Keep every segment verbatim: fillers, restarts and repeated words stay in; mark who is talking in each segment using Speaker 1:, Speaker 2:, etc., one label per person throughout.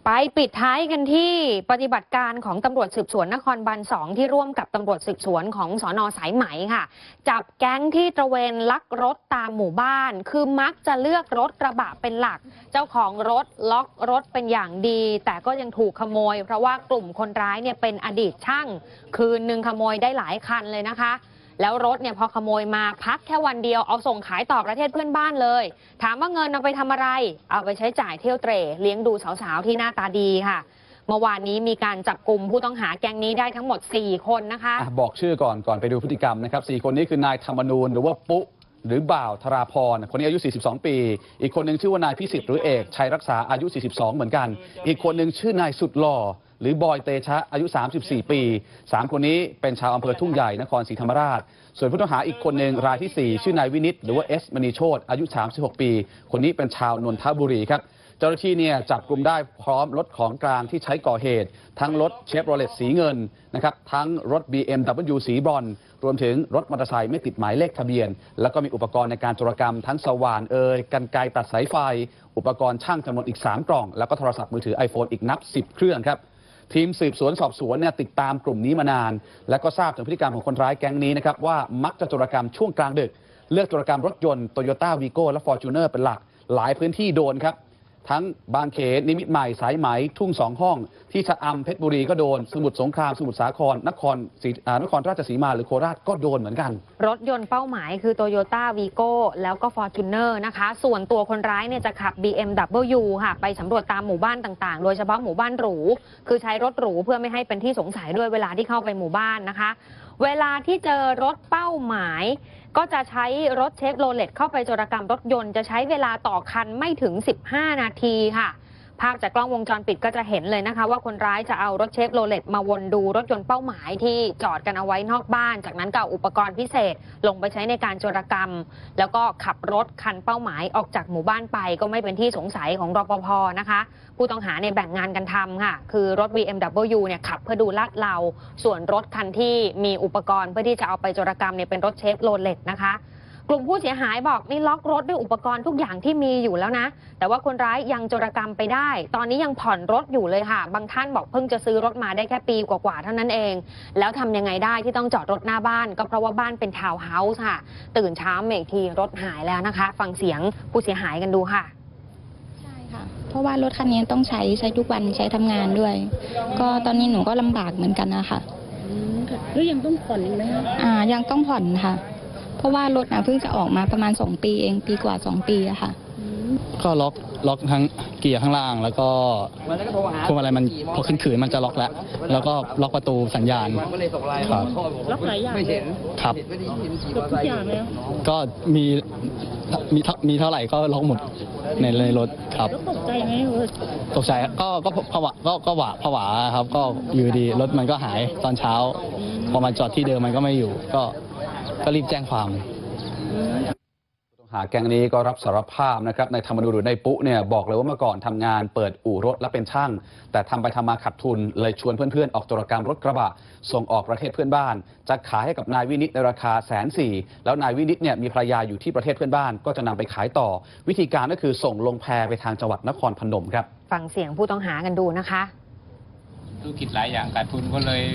Speaker 1: ไปปิดท้ายกันที่ปฏิบัติการของตำรวจสืบสวนนครบาลสองที่ร่วมกับตำรวจสืบสวนของสน.สายไหมค่ะจับแก๊งที่ตระเวนลักรถตามหมู่บ้านคือมักจะเลือกรถกระบะเป็นหลักเจ้าของรถล็อกรถเป็นอย่างดีแต่ก็ยังถูกขโมยเพราะว่ากลุ่มคนร้ายเนี่ยเป็นอดีตช่างคืนหนึ่งขโมยได้หลายคันเลยนะคะแล้วรถเนี่ยพอขโมยมาพักแค่วันเดียวเอาส่งขายต่อประเทศเพื่อนบ้านเลยถามว่าเงินเอาไปทำอะไรเอาไปใช้จ่ายเที่ยวเตร่เลี้ยงดูสาวๆที่หน้าตาดีค่ะเมื่อวานนี้มีการจับกลุ่มผู้ต้องหาแก๊งนี้ได้ทั้งหมดสี่คนนะคะ
Speaker 2: บอกชื่อก่อนก่อนไปดูพฤติกรรมนะครับสี่คนนี้คือนายธรรมนูญหรือว่าปุ๊หรือบ่าวธราพรคนนี้อายุสี่สิบสองปีอีกคนหนึ่งชื่อว่านายพิสิทธิ์หรือเอกชัยรักษาอายุสี่สิบสองเหมือนกันอีกคนหนึ่งชื่อนายสุดหล่อหรือบอยเตชะอายุสามสิบสี่ปีสามคนนี้เป็นชาวอำเภอทุ่งใหญ่นครศรีธรรมราชส่วนผู้ต้องหาอีกคนหนึ่งรายที่สี่ชื่อนายวินิตหรือว่าเอสมณีโชติอายุสามสิบหกปีคนนี้เป็นชาวนนทบุรีครับเจ้าหน้าที่เนี่ยจับกลุ่มได้พร้อมรถของกลางที่ใช้ก่อเหตุทั้งรถเชฟโรเลตสีเงินนะครับทั้งรถ บี เอ็ม ดับเบิลยู สีบรอนซ์รวมถึงรถมอเตอร์ไซค์ไม่ติดหมายเลขทะเบียนแล้วก็มีอุปกรณ์ในการโจรกรรมทั้งสว่านเอ่ยกรรไกรตัดสายไฟอุปกรณ์ช่างจำนวนอีกสามกล่องแล้วก็โทรศัพท์มือถือ ไอโฟน อีกนับสิบเครื่องครับทีมสืบสวนสอบสวนเนี่ยติดตามกลุ่มนี้มานานและก็ทราบถึงพฤติกรรมของคนร้ายแก๊งนี้นะครับว่ามักจะโจรกรรมช่วงกลางดึกเลือกโจรกรรมรถยนต์โตโยต้าวีโก้และฟอร์จูเนอร์เป็นหลักหลายพื้นที่โดนครับทั้งบางเขนนิมิตรใหม่สายไหมทุ่งสองห้องที่ชะอำเพชรบุรีก็โดนสมุทรสงครามสมุทรสาครนครศรีนครราชสีมาหรือโคราชก็โดนเหมือนกัน
Speaker 1: รถยนต์เป้าหมายคือโตโยต้าวีโก้แล้วก็ฟอร์จูเนอร์นะคะส่วนตัวคนร้ายเนี่ยจะขับ บี เอ็ม ดับเบิลยู ค่ะไปสำรวจตามหมู่บ้านต่างๆโดยเฉพาะหมู่บ้านหรูคือใช้รถหรูเพื่อไม่ให้เป็นที่สงสัยด้วยเวลาที่เข้าไปหมู่บ้านนะคะเวลาที่เจอรถเป้าหมายก็จะใช้รถเชฟโรเลตเข้าไปโจรกรรมรถยนต์จะใช้เวลาต่อคันไม่ถึงสิบห้านาทีค่ะภาพจากกล้องวงจรปิดก็จะเห็นเลยนะคะว่าคนร้ายจะเอารถเชฟโรเลตมาวนดูรถยนต์เป้าหมายที่จอดกันเอาไว้นอกบ้านจากนั้นก็เอาอุปกรณ์พิเศษลงไปใช้ในการโจรกรรมแล้วก็ขับรถคันเป้าหมายออกจากหมู่บ้านไปก็ไม่เป็นที่สงสัยของรปภ.นะคะผู้ต้องหาเนี่ยแบ่งงานกันทำค่ะคือรถ บี เอ็ม ดับเบิลยู เนี่ยขับเพื่อดูลาดเลาส่วนรถคันที่มีอุปกรณ์เพื่อที่จะเอาไปโจรกรรมเนี่ยเป็นรถเชฟโรเลตนะคะกลุ่มผู้เสียหายบอกนี่ล็อกรถด้วยอุปกรณ์ทุกอย่างที่มีอยู่แล้วนะแต่ว่าคนร้ายยังโจรกรรมไปได้ตอนนี้ยังผ่อนรถอยู่เลยค่ะบางท่านบอกเพิ่งจะซื้อรถมาได้แค่ปีกว่าๆเท่านั้นเองแล้วทำยังไงได้ที่ต้องจอดรถหน้าบ้านก็เพราะว่าบ้านเป็นทาวน์เฮาส์ค่ะตื่นเช้าเมกทีรถหายแล้วนะคะฟังเสียงผู้เสียหายกันดูค่ะ
Speaker 3: ใช่ค่ะเพราะว่ารถคันนี้ต้องใช้ใช้ทุกวันใช้ทำงานด้วยก็ตอนนี้หนูก็ลำบากเหมือนกันนะคะ
Speaker 1: แล้วยังต้องผ่อนอีกไหมคะ
Speaker 3: อ่ายังต้องผ่อนค่ะเพราะว่ารถนะเพิ่งจะออกมาประมาณสองปีเองปีกว่าสองปีอะค่ะ
Speaker 4: ก็ล็อกล็อกทั้งเกียร์ข้างล่างแล้วก็พวงมาลัยมันพอขึ้นขืนมันจะล็อกแล้วแล้วก็ล็อกประตูสัญญาณครับ
Speaker 1: ล็อกหลายอย่าง
Speaker 4: ครับ
Speaker 1: ทุกอย่างเลย
Speaker 4: ก็มีมีมีเท่าไหร่ก็ล็อกหมดในในรถครับ
Speaker 1: ตกใจไหม
Speaker 4: ตกใจก็ก็ผวาก็ก็หวาผวาครับก็อยู่ดีรถมันก็หายตอนเช้าพอมาจอดที่เดิมมันก็ไม่อยู่ก็ก็รีบแจ้งความ
Speaker 2: ผู้ต้องหาแก๊งนี้ก็รับสารภาพนะครับในธรรมนูญหรือในปุ๊เนี่ยบอกเลยว่าเมื่อก่อนทำงานเปิดอู่รถและเป็นช่างแต่ทำไปทำมาขาดทุนเลยชวนเพื่อนๆออกโจรกรรมรถกระบะส่งออกประเทศเพื่อนบ้านจะขายให้กับนายวินิตในราคาแสนสี่แล้วนายวินิตเนี่ยมีภรรยาอยู่ที่ประเทศเพื่อนบ้านก็จะนำไปขายต่อวิธีการก็คือส่งลงแพไปทางจังหวัดนครพนมครับ
Speaker 1: ฟังเสียงผู้ต้องหากันดูนะคะ
Speaker 5: ธุรกิจหลายอย่างขาดทุนก็เลย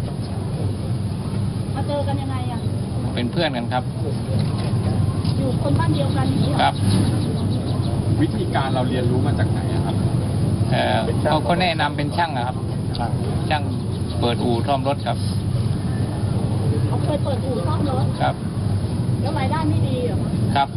Speaker 6: มาเจอกันยังไงอ่ะ
Speaker 5: เป็นเพื่อนกันครับ
Speaker 6: อยู่คนบ้านเดียวกันอย่างนี้
Speaker 5: ครับ
Speaker 7: วิธีการเราเรียนรู้มาจากไหนครับ
Speaker 5: เออเขาก็แนะนำเป็นช่างนะครับช่างเปิดอู่ซ่อมรถครับ
Speaker 6: เขาเคยเปิดอู่ซ่อมรถ
Speaker 5: ครับ
Speaker 6: แล้วรายได้ไม่ดีเหรอ
Speaker 5: ครับ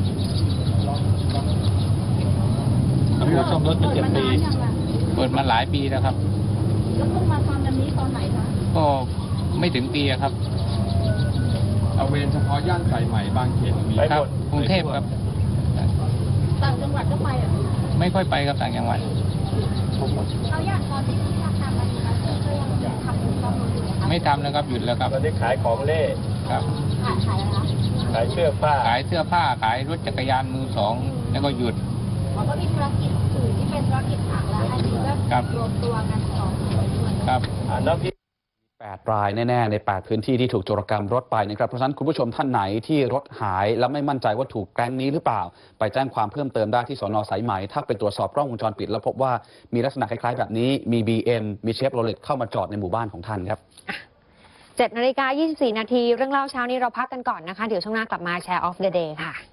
Speaker 7: อู่ซ่อมรถเป็นเจ็ดปี
Speaker 5: เปิดมาหลายปีแล้วครับ
Speaker 6: แล้วเพิ่งมาทำอันนี้ตอนไหนคะ
Speaker 5: ก็ไม่ถึงปีครับ
Speaker 7: เอาเวรเฉพาะย่านสายไหมบางเขนมี
Speaker 5: ครับกรุงเทพครับ
Speaker 6: ต่างจังหวัดก็ไปอ่ะ
Speaker 5: ไม่ค่อยไปครับต่างจังหวัด
Speaker 6: เขาอยากตอนที่ทำทำอะไรคะก็ยังทำซ่อมรถอยู่
Speaker 5: ไม่ทำแล้วครับหยุดแล้วครับ
Speaker 7: ตอนนี้ขายของเล่
Speaker 5: ครับ
Speaker 6: ขายขายอะไรคะ
Speaker 7: ขายเสื้อผ้า
Speaker 5: ขายเสื้อผ้าขายรถจักรยานมือสองแล้วก็หยุด
Speaker 6: เขาก็มีธุรกิจอื่นที่เป็นธุรกิจหลักแล้วอันนี้ก็รวมตัวกันสอง
Speaker 5: ครับ
Speaker 7: อ่าน้องพี่
Speaker 2: แปดรายแน่ๆในแปดพื้นที่ที่ถูกโจรกรรมรถไปนะครับเพราะฉะนั้นคุณผู้ชมท่านไหนที่รถหายแล้วไม่มั่นใจว่าถูกแก๊งนี้หรือเปล่า ไปแจ้งความเพิ่มเติมได้ที่สน.สายไหมถ้าไปตรวจสอบกล้องวงจรปิดแล้วพบว่ามีลักษณะคล้ายๆแบบนี้มี บี เอ็ม มีเชฟโรเลตเข้ามาจอดในหมู่บ้านของท่านครับ
Speaker 1: เจ็ดนาฬิกายี่สิบสี่นาทีเรื่องเล่าเช้านี้เราพักกันก่อนนะคะเดี๋ยวช่วงหน้ากลับมาแชร์ออฟเดอะเดย์ค่ะ